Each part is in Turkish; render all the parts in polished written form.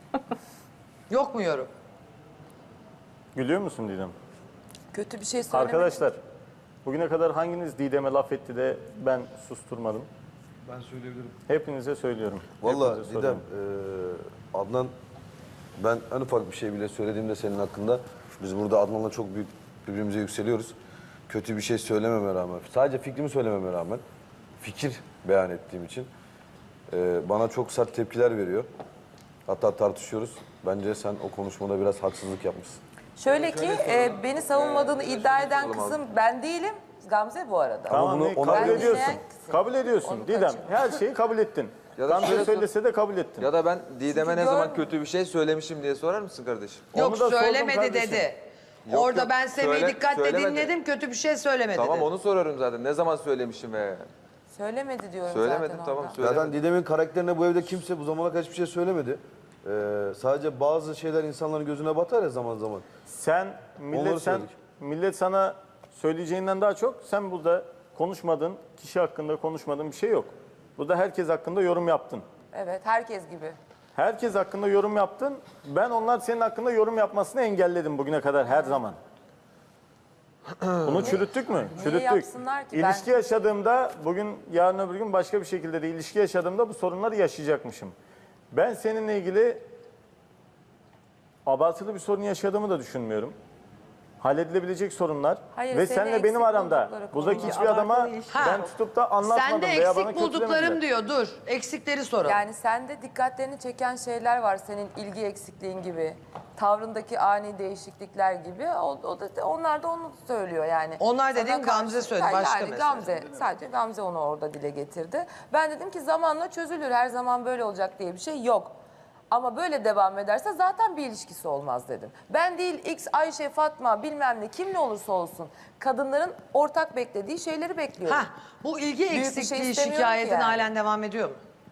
Yok mu yorum? Gülüyor musun Didem? Kötü bir şey söylemedim. Arkadaşlar, bugüne kadar hanginiz Didem'e laf etti de ben susturmadım? Ben söyleyebilirim. Hepinize söylüyorum. Vallahi Hepinize Didem, soruyorum. Adnan, ben en ufak bir şey bile söylediğimde senin hakkında, biz burada Adnan'la çok büyük birbirimize yükseliyoruz. Kötü bir şey söylememe rağmen, sadece fikrimi söylememe rağmen, fikir beyan ettiğim için bana çok sert tepkiler veriyor. Hatta tartışıyoruz. Bence sen o konuşmada biraz haksızlık yapmışsın. Şöyle ki beni savunmadığını iddia eden kısım ben değilim. Gamze bu arada. Tamam, bunu- ona kabul göre- ediyorsun. Dinleyen kısım. Kabul ediyorsun Onu Didem. kaçırma. Her şeyi kabul ettin. Ya da Gamze şöyle- söylese de kabul ettin. Ya da ben Didem'e ne Çünkü zaman görmüyor. kötü bir şey söylemişim diye sorar mısın kardeşim? Onu Yok da sordum söylemedi kardeşim. dedi. Yok, Orada yok. ben Semih'i dikkatle Söylemedi. dinledim, kötü bir şey söylemedi Tamam dedi. onu sorarım zaten. Ne zaman söylemişim ve Söylemedi diyorum söylemedim zaten tamam orada. söylemedim. Zaten Didem'in karakterine bu evde kimse bu zamana kadar hiçbir şey söylemedi. Sadece bazı şeyler insanların gözüne batar ya zaman zaman. Sen, Onları söyledik. millet sana söyleyeceğinden daha çok sen burada konuşmadın, kişi hakkında konuşmadığın bir şey yok. Burada herkes hakkında yorum yaptın. Evet, herkes gibi. Herkes hakkında yorum yaptın. Ben onlar senin hakkında yorum yapmasını engelledim bugüne kadar her zaman. Bunu çürüttük mü? Çürüttük. yapsınlar ki? İlişki yaşadığımda, bugün yarın öbür gün başka bir şekilde de ilişki yaşadığımda bu sorunları yaşayacakmışım. Ben seninle ilgili abartılı bir sorun yaşadığımı da düşünmüyorum. Halledilebilecek sorunlar. Hayır, ve seni senle benim eksik aramda buldukları buradaki konuda. hiçbir adama Abartılı ilişki. ben tutup da anlatmadım Sen de veya bana eksik bulduklarım kötülemediler. diyor. Dur, eksikleri soralım. Yani sende dikkatlerini çeken şeyler var. Senin ilgi eksikliğin gibi, tavrındaki ani değişiklikler gibi. Onlar da onu söylüyor yani. Onlar Sana dediğin Gamze söyledi, başka yani mesele. Gamze, sadece Gamze onu orada dile getirdi. Ben dedim ki zamanla çözülür, her zaman böyle olacak diye bir şey yok. Ama böyle devam ederse zaten bir ilişkisi olmaz dedim. Ben değil X, Ayşe, Fatma bilmem ne kim ne olursa olsun kadınların ortak beklediği şeyleri bekliyorum. Hah, bu ilgi bir şey eksikliği istemiyorum ki şikayetin yani. halen devam ediyor mu?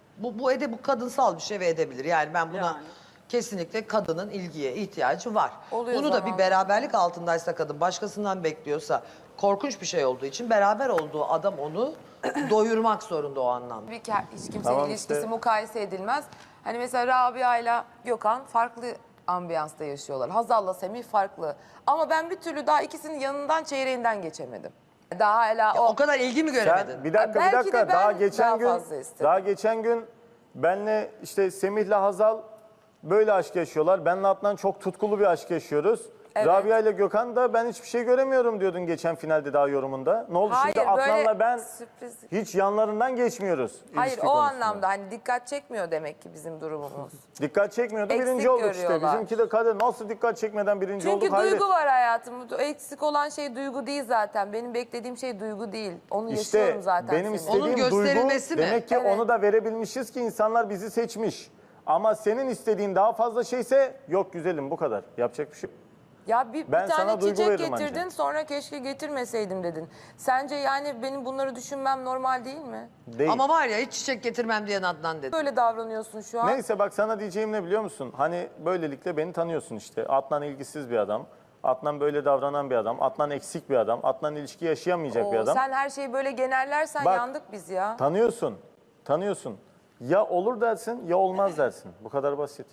Bu kadınsal bir şey ve edebilir. Yani ben buna kesinlikle kadının ilgiye ihtiyacı var. Oluyor Bunu da bir zamanla. beraberlik altındaysa kadın başkasından bekliyorsa korkunç bir şey olduğu için beraber olduğu adam onu doyurmak zorunda o anlamda. Tabii ki hiç kimsenin Tamam ilişkisi işte. mukayese edilmez. Hani mesela Rabia ile Gökhan farklı ambiyansta yaşıyorlar. Hazal'la Semih farklı. Ama ben bir türlü daha ikisinin yanından çeyreğinden geçemedim. Daha hala O kadar ilgi mi göremedin? Sen, bir dakika Belki de ben daha geçen daha gün fazla istedim. daha geçen gün benle işte Semih'le Hazal böyle aşk yaşıyorlar. Benle Adnan çok tutkulu bir aşk yaşıyoruz. Evet. Rabia ile Gökhan da ben hiçbir şey göremiyorum diyordun geçen finalde daha yorumunda. Ne oldu Hayır, şimdi Adnan'la böyle ben sürpriz. hiç yanlarından geçmiyoruz. Hayır ilişki o konusunda. anlamda hani dikkat çekmiyor demek ki bizim durumumuz. Dikkat çekmiyordu Eksik birinci olduk işte. görüyorlar. Bizimki de kader nasıl dikkat çekmeden birinci Çünkü olduk. Hayret. duygu var hayatım. Eksik olan şey duygu değil zaten. Benim beklediğim şey duygu değil. Onu yaşıyorum İşte zaten. benim senin. istediğim Onun duygu gösterilmesi mi? demek ki Evet. onu da verebilmişiz ki insanlar bizi seçmiş. Ama senin istediğin daha fazla şeyse yok güzelim bu kadar. Yapacak bir şey yok. Ya bir Ben sana tane duygu çiçek veririm getirdin ancak. sonra keşke getirmeseydim dedin. Sence yani benim bunları düşünmem normal değil mi? Değil. Ama var ya hiç çiçek getirmem diyen Adnan dedi. Böyle davranıyorsun şu an. Neyse bak sana diyeceğim ne biliyor musun? Hani böylelikle beni tanıyorsun işte. Adnan ilgisiz bir adam. Adnan böyle davranan bir adam. Adnan eksik bir adam. Adnan ilişki yaşayamayacak bir Oo, adam. sen her şeyi böyle genellersen Bak, yandık biz ya. Tanıyorsun. Tanıyorsun. Ya olur dersin ya olmaz dersin. Bu kadar basit.